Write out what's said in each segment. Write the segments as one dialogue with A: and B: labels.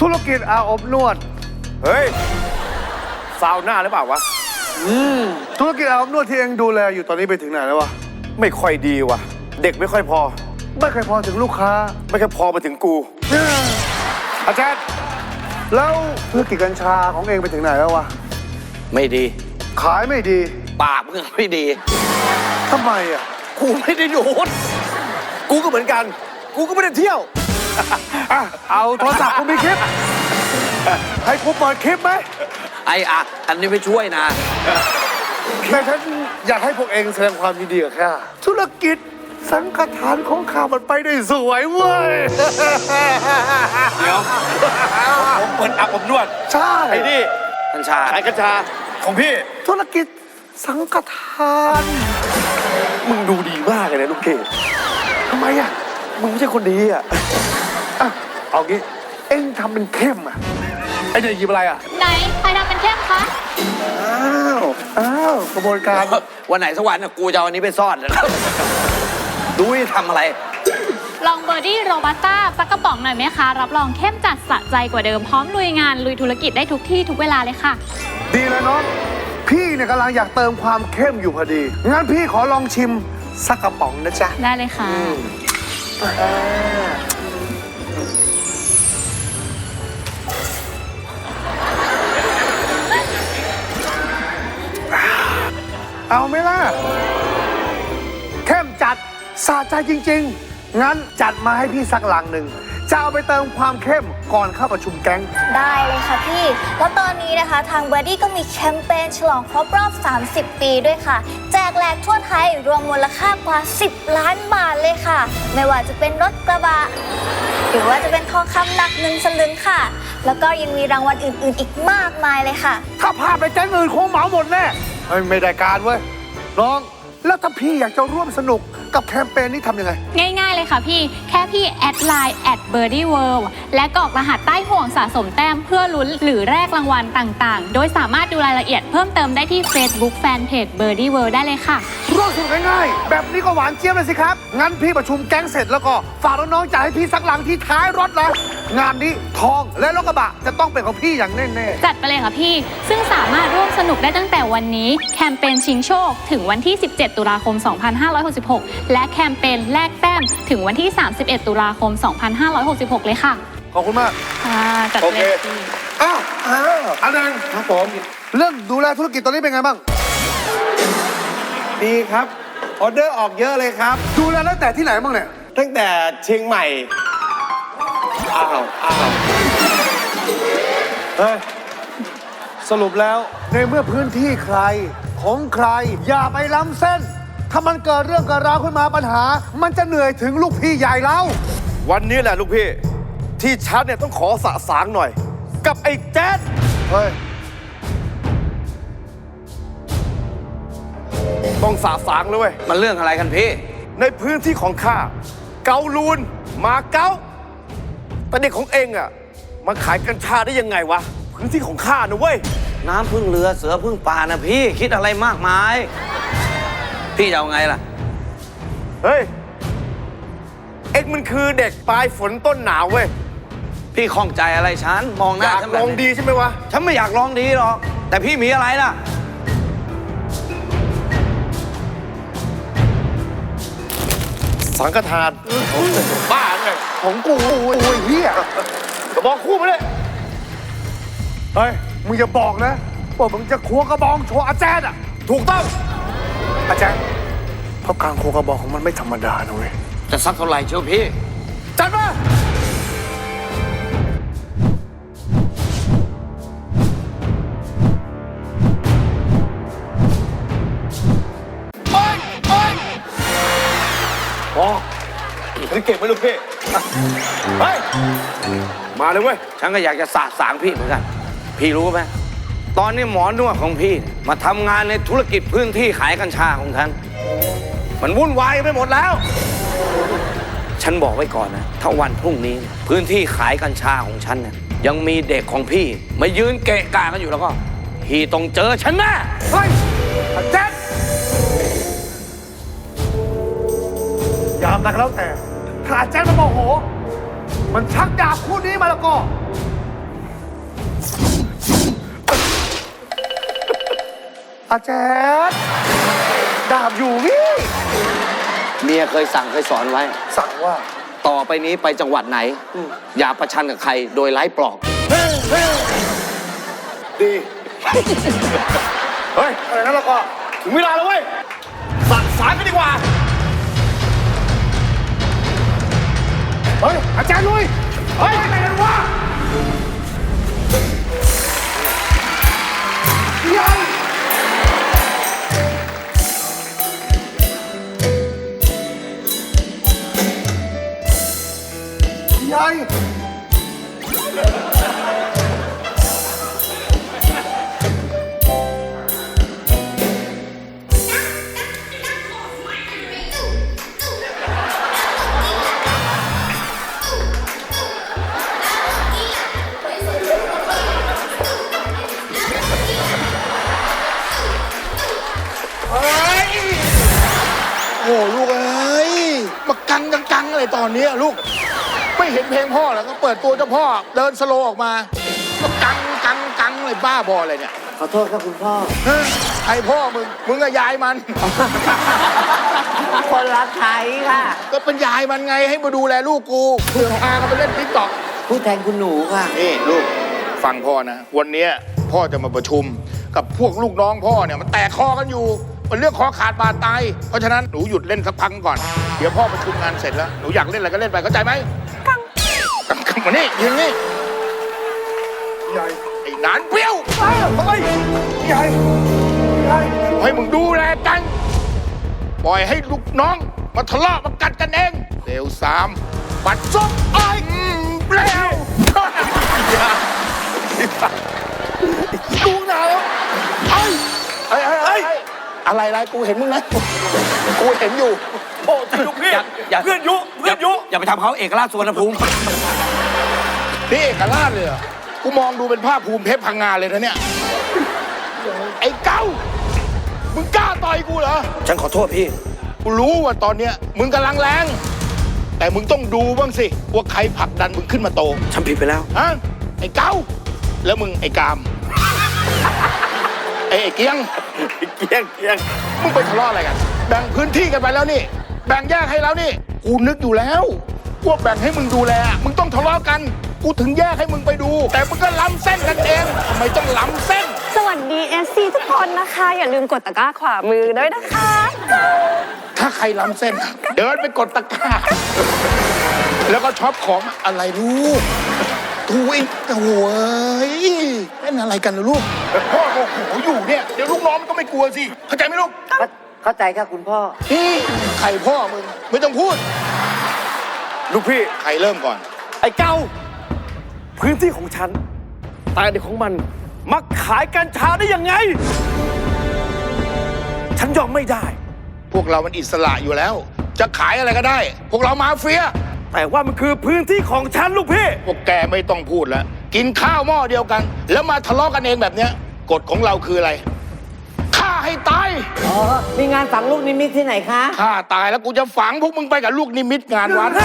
A: รกิจอาบอบนวด
B: เฮ้ยซาวน่าหรือเปล่าวะ
A: ธุรกิจอาบอบนวดที่เองดูแลอยู่ตอนนี้ไปถึงไหนแล้ววะ
B: ไม่ค่อยดีวะเด็กไม่ค่อยพอ
A: ไม่เคยพอถึงลูกค้า
B: ไม่เคยพอมาถึงกู
A: อาจารย์แล้วธุรกิจกัญชาของเองไปถึงไหนแล้ววะ
C: ไม่ดี
A: ขายไม่ดี
C: ปากมึงไม่ดี
A: ทำไมอ่ะ
B: กูไม่ได้ดูดกูก็เหมือนกันกูก็ไม่ได้เที่ยว
A: เอาโทรศัพท์กูมีคลิปให้กูเปิดคลิปไหม
C: อันนี้ไม่ช่วยนะ
A: แต่ฉันอยากให้พวกเองแสดงความยินดีกับข้าธุรกิจสังฆทานของข้ามันไปได้สวยเว้ย
B: เดี๋ยวผมเปิดอาบอบนวด
A: ใช่
B: ไอ้นี่
C: กัญชา
B: ขายกัญชาของพี่
A: ธุรกิจสังฆทาน
B: มึงดูดีมากเลยนะลูกเกด
A: ทำไมอ่ะ
B: มึงไม่ใช่คนดีอ่ะ
A: เอางี้เอ็งทำเป็นเข้มอ่ะไอ้เด็กหยิบอะไรอ่ะ
D: ไหนใครทำเป็นเข้มคะ
A: อ้าวกระบวนการ
C: วันไหนสักวันกูจะเอาอันนี้ไปซ่อนเลยดูว่าทำอะไร
D: ลองเบอร์ดี้โรบัสต้าสักกระป๋องหน่อยไหมคะรับรองเข้มจัดสะใจกว่าเดิมพร้อมลุยงานลุยธุรกิจได้ทุกที่ทุกเวลาเลยค่ะ
A: ดีเลยน้องพี่เนี่ยกำลังอยากเติมความเข้มอยู่พอดีงั้นพี่ขอลองชิมสักกระป๋องนะจ๊ะ
D: ได้เลยค่ะ
A: เอาไหมล่ะเข้มจัดสะใจจริงๆงั้นจัดมาให้พี่สักลังหนึ่งจะเอาไปเติมความเข้มก่อนเข้าประชุมแก๊ง
E: ได้เลยค่ะพี่แล้วตอนนี้นะคะทางเบอร์ดี้ก็มีแคมเปญฉลองครบรอบ30 ปีด้วยค่ะแจกแหลกทั่วไทยรวมมูลค่ากว่า10 ล้านบาทเลยค่ะไม่ว่าจะเป็นรถกระบะหรือว่าจะเป็นทองคำหนัก1 สลึงค่ะแล้วก็ยังมีรางวัลอื่นๆอีกมากมายเลยค่ะ
A: ถ้าพาไปแก๊งอื่นคงเหมาหมดแน่ไม่ได้การเว้ยน้องแล้วถ้าพี่อยากจะร่วมสนุกกับแคมเปญนี้ทำยังไง
D: ง่ายๆเลยค่ะพี่แค่พี่แอดไลน์@birdieworld และกรอกรหัสใต้ห่วงสะสมแต้มเพื่อลุ้นหรือแลกรางวัลต่างๆโดยสามารถดูรายละเอียดเพิ่มเติมได้ที่ Facebook Fanpage Birdie World ได้เลยค่ะ
A: ร่วมสนุกง่ายๆแบบนี้ก็หวานเจี๊ยบเลยสิครับงั้นพี่ประชุมแก๊งเสร็จแล้วก็ฝากน้องๆจ่ายให้พี่สักหลังที่ท้ายรถนะงานนี้ทองและรถกระบะจะต้องเป็นของพี่อย่างแน่
D: ๆจัดไปเลยค่ะพี่ซึ่งสามารถร่วมสนุกได้ตั้งแต่วันนี้แคมเปญชิงโชคถึงวันที่17 ตุลาคม 2566และแคมเปญแลกแต้มถึงวันที่31 ตุลาคม 2566เลยค่ะ
A: ขอบคุณมาก
D: จัดเลย
A: อันนั้นครับผมเรื่องดูแลธุรกิจตอนนี้เป็นไงบ้าง
B: ดีครับออเดอร์ออกเยอะเลยครับ
A: ดูแลตั้งแต่ที่ไหนบ้างเนี่ย
B: ตั้งแต่เชียงใหม่
A: เฮ้ยสรุปแล้วในเมื่อพื้นที่ใครของใครอย่าไปล้ำเส้นถ้ามันเกิดเรื่องเกิดราวขึ้นมาปัญหามันจะเหนื่อยถึงลูกพี่ใหญ่แล้ว
B: วันนี้แหละลูกพี่ที่ชัดเนี่ยต้องขอสะสางหน่อยกับไอ้แจ๊ด
A: เฮ้ย
B: ต้องสะสางเลยเว้ย
C: มันเรื่องอะไรกันพี่
B: ในพื้นที่ของข้าเกาลูนมาเก๊าแต่เด็กของเองอะมาขายกัญชาได้ยังไงวะพื้นที่ของข้านะเว้ย
C: น้ำพึ่งเรือเสือพึ่งป่านะพี่คิดอะไรมากมายพี่จะเอาไงล่ะ
B: เฮ้ยเอ็งมันคือเด็กปลายฝนต้นหนาวเว้ย
C: พี่ข้องใจอะไรฉันมองหน้า
B: ฉันอยากลองดีใช่ไหมวะ
C: ฉันไม่อยากลองดีหรอกแต่พี่มีอะไรล่ะ
B: สังฆทานบ้าไง
A: ของกูโอ้ยเฮีย
B: กระบองคู่มาเลย
A: เฮ้ยมึงอย่าบอกนะว่ามึงจะควงกระบองโชว์อาแจารย์อ่ะ
B: ถูกต้อง
A: อาจารย์เพราะการควงกระบอกของมันไม่ธรรมดานะเว้ย
C: จะสักเท่าไหร่เชียวพี่
A: จัดมา
B: ฉันเก็บไว้ลูกพี่เฮ้ยมาเลยเว้ย
C: ฉันก็อยากจะสะสางพี่เหมือนกันพี่รู้ไหมตอนนี้หมอนวดของพี่มาทำงานในธุรกิจพื้นที่ขายกัญชาของฉันมันวุ่นวายไปหมดแล้วฉันบอกไว้ก่อนนะถ้าวันพรุ่งนี้พื้นที่ขายกัญชาของฉันเนี่ยยังมีเด็กของพี่มายืนเกะกะกันอยู่แล้วก็พี่ต้องเจอฉันแน่
A: เฮ้ยแจ๊ดยามนักแล้วแต่ถ้าแจ๊ดมันโมโหมันชักดาบคู่นี้มาแล้วก็อาแจ๊ดดาบอยู่นี่
C: เมียเคยสั่งเคยสอนไว้
A: สั่งว่า
C: ต่อไปนี้ไปจังหวัดไหน อย่าประชันกับใครโดยไร้ปลอก
A: ดี เฮ้ยอะไรนั่นแล้วก็
B: ถึงเวลาแล้วเว้ยสั่งสารกันดีกว่า
A: เฮ้ย อาจารย์ลุย
B: เฮ้ยอะไรกันวะ
A: ยาย
F: โอ้ลูกเอ้ยมากังอะไรตอนนี้อะลูก ไม่เห็นเพลงพ่อเหรอก็เปิดตัวเจ้าพ่อเดินสโลว์ออกมาก็กังอะไรบ้าบออะไรเนี่ย
G: ขอโทษครับคุณพ่อ
F: เฮ้ยใครพ่อมึงก็ยายมัน
G: คนรักไทยค่ะ
F: ก็เป็นยายมันไงให้มาดูแลลูกกูเสือกพากันไปเล่นติ๊กต็อก
G: ผู้แทนคุณหนูค่ะ
F: นี่ลูกฟังพ่อนะ วันเนี้ยพ่อจะมาประชุมกับพวกลูกน้องพ่อเนี่ยมันแตกคอกันอยู่มันเรื่องคอขาดบาดตายเพราะฉะนั้นหนูหยุดเล่นสักพักก่อนเดี๋ยวพ่อประชุมงานเสร็จแล้วหนูอยากเล่นอะไรก็เล่นไปเข้าใจไหมกังมานี่ยืนนี่
A: ยาย
F: ไอ้หนานเปรี้ยว
A: เฮ้ยยายยาย
F: ให้มึงดูแลกัน ปล่อยให้ลูกน้องมาทะเลาะมากัดกันเองเร็วสามปัดซบไอ้เร็ว
A: ดูหนาวไอ้
F: อะไรกูเห็นมึงนะกูเห็นอยู่
B: โอ้จริงลูกพี่
C: อย่า
B: เพื่อนยุเพื่อนยุ
C: อย่าไปทำเขาเอกราชสวนภูมิ
F: นี่เอกราชเลยเหรอกูมองดูเป็นภาพภูมิเพชรพังงาเลยนะเนี่ยไอ้เก้ามึงกล้าต่อยกูเหรอ
C: ฉันขอโทษพี่
F: กูรู้ว่าตอนเนี้ยมึงกำลังแรงแต่มึงต้องดูบ้างสิว่าใครผลักดันมึงขึ้นมาโต
C: ฉันผิดไปแล้ว
F: ฮะไอ้เก้าแล้วมึงไอ้กามไอ้เกียง
B: เกียง
F: มึงไปทะเลาะอะไรกัน แบ่งพื้นที่กันไปแล้วนี่ แบ่งแยกให้แล้วนี่ กูนึกอยู่แล้วว่าแบ่งให้มึงดูแล มึงต้องทะเลาะกัน กูถึงแยกให้มึงไปดู แต่มึงก็ล้ำเส้นกันเองทำไมต้องล้ำเส้น
H: สวัสดีเอซีทุกคนนะคะ อย่าลืมกดตะกร้าขวามือด้วยนะคะ
F: ถ้าใครล้ำเส้น เดินไปกดตะกร้า แล้วก็ช็อปของอะไรลูกทูอีกโอ้ยเล่นอะไรกันนะลูก พ่อโอ้โหอยู่เนี่ย เดี๋ยวลูกน้องมันก็ไม่กลัวสิ เข้าใจไหมลูก
G: เข้าใจครับคุณพ่อ
F: ใครพ่อมึง ไม่ต้องพูด
B: ลูกพี่
F: ใครเริ่มก่อน
B: ไอ้เก้าพื้นที่ของฉันแต่เด็กของมันมาขายกัญชาได้ยังไง ฉันยอมไม่ได้
F: พวกเรามันอิสระอยู่แล้ว จะขายอะไรก็ได้ พวกเรามาเฟีย
B: แต่ว่ามันคือพื้นที่ของฉันลูกพี่
F: พวกแกไม่ต้องพูดแล้ว กินข้าวหม้อเดียวกัน แล้วมาทะเลาะกันเองแบบเนี้ยกฎของเราคืออะไรฆ่าให้ตาย
G: อ๋อ มีงานฝังลูกนิมิตที่ไหนคะ
F: ฆ่าตายแล้วกูจะฝังพวกมึงไปกับลูกนิมิตงานวัด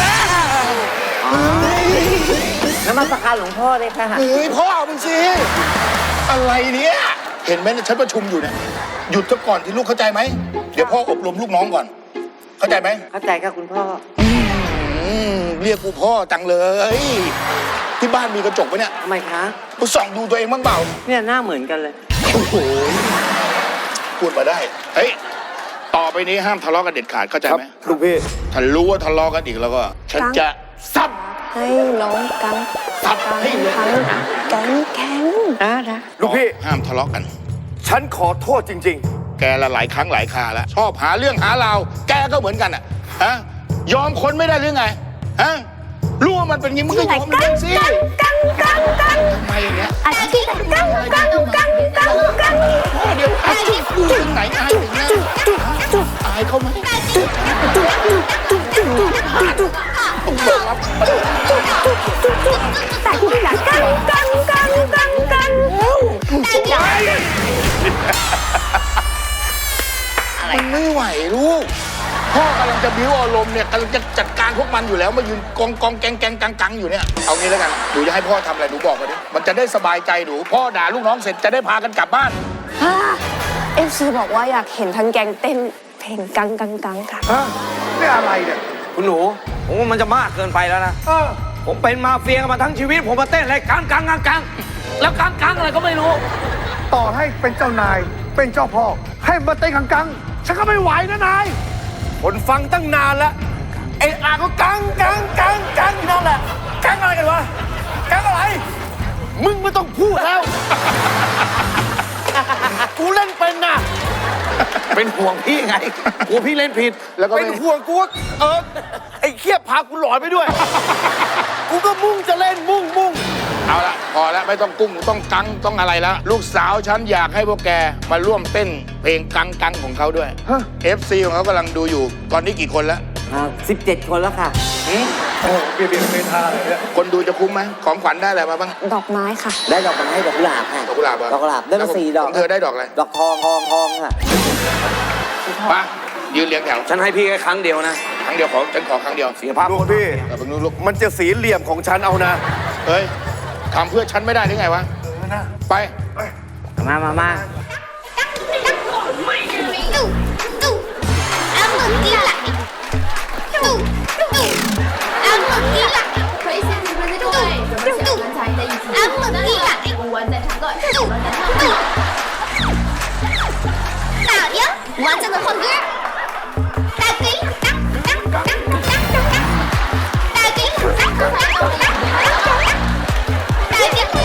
G: นมัสการหลวงพ่อเลยค่ะ
F: เฮ้ยพ่อมึงสิ อะไรเนี่ย เห็นไหมเนี่ยฉันประชุมอยู่เนี่ยหยุดซะก่อนที่ลูกเข้าใจไหม เดี๋ยวพ่ออบรมลูกน้องก่อน เข้าใจไหม
G: เข้าใจครับคุณพ่อ
F: เรียกกูพ่อจังเลย ที่บ้านมีกระจกไหมเนี่ย
G: ทำไมคะ
F: กูส่องดูตัวเองบ้างเปล่า
G: เนี่ยหน้าเหมือนกันเลย
F: โอ้โหพูดมาได้ เฮ้ย ต่อไปนี้ห้ามทะเลาะกันเด็ดขาดเข้าใจ
B: ครับ
F: ไหม
B: ลูกพี่
F: ถ้ารู้ว่าทะเลาะกันอีกแล้วก็ ฉันจะซับ
H: ให้น้องกัง
F: ซับให้เลย
H: แก๊งแข็งนะ
B: ลูกพี่
F: ห้ามทะเลาะกัน
B: ฉันขอโทษจริง
F: แกละหลายครั้งหลายคราแล้ว ชอบหาเรื่องหาราวแกก็เหมือนกันอ่ะฮะยอมคนไม่ได้หรือไงฮะรู้ว่ามันเป็นอย่างงี้มึงก็ยอมมันสิ
H: กัง
F: ทำไมอย่างเงี้ย
H: อาชีพกัง
F: เดี๋ยวอาชีพกูถึงไหนอายถึงนะอายเขาไหมต้องเปิดรับ
H: แต่ที่อยากกัง
F: มันไม่ไหวลูก พ่อกำลังจะบิ้วอารมณ์เนี่ยกำลังจะจัดการพวกมันอยู่แล้วมายืนกองแกงกังอยู่เนี่ยเอางี้แล้วกันหนูจะให้พ่อทำอะไรหนูบอกมาดิมันจะได้สบายใจหนูพ่อด่าลูกน้องเสร็จจะได้พากันกลับบ้าน
H: FC บอกว่าอยากเห็นทั้งแก๊งเต้นเพลงกังกังกังค่ะ
A: ฮะนี่อะไรเนี่ย
C: คุณหนู ผมว่ามันจะมากเกินไปแล้วนะ
A: เออ
C: ผมเป็นมาเฟียมาทั้งชีวิต ผมมาเต้นอะไรกังกังกังกังแล้วกังกังอะไรก็ไม่รู้
A: ต่อให้เป็นเจ้านาย เป็นเจ้าพ่อ ให้มาเต้นกังๆฉันก็ไม่ไหวนะนาย
B: คนฟังตั้งนานแล้วไอ้อาก็กังกังกังกังนั่นแหละกังอะไรกันวะกังอะไร มึงไม่ต้องพูดแล้ว กูเล่นเป็นนะ
C: เป็นห่วงพี่ไงกลัวพี่เล่นผิด
F: แล้วก็
B: เป็นห่วงกูว่าไอ้เคียบพากูหลอนไปด้วย กูก็มุ่งจะเล่นมุ่ง
F: เอาละพอแล้วไม่ต้องกุ้งต้องกังต้องอะไรแล้ว ลูกสาวฉันอยากให้พวกแกมาร่วมเต้นเพลงกังกังของเขาด้วย
A: ฮะ
F: FC ของเขากำลังดูอยู่ ตอนนี้กี่คนแล้ว
G: 17 คนแล้วค่ะ
A: โอ้เปลี่ยนเป็นท่าเลยเนี่ย
F: คนดูจะคุ้มไหมของขวัญได้อะไรมาบ้าง
H: ดอกไม้ค่ะ
G: ได้ดอกไม้ดอกกุหลาบค่ะ
F: ดอกกุหลาบเหรอ
G: ดอกกุหลาบได้มา4 ดอก
F: ของเธอได้ดอกอะไร
G: ดอกทองค่ะ
F: มายืนเรียงแถว
C: ฉันให้พี่แค่ครั้งเดียวนะ
F: ครั้งเดียวฉันขอครั้งเดียว
C: เสียภาพ
B: ๆลูกพี่
F: เพิ่งรู้ลูก
B: มันจะสีเหลี่ยมของฉันเอานะ
F: เฮ้ยทำเพื่อฉันไม่ได้หรือไงวะไป
G: มา
E: 完整的换歌，大给当当当当当当，大给当当当当当当，大给当当当当当当，大给当当当当当当，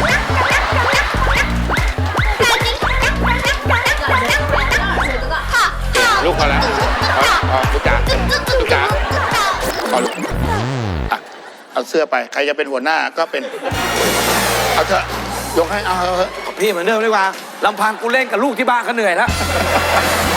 E: 好，
F: ลูกพอแล้วพอลูกจ๋าลูกจ๋าพอลูกอ่ะเอาเสื้อไปใครจะเป็นหัวหน้าก็เป็นเอาเถอะยกให้เอาเถอะ
C: พี่เหมือนเดิมดีกว่าลำพังกูเล่นกับลูกที่บ้านก็เหนื่อยแล้ว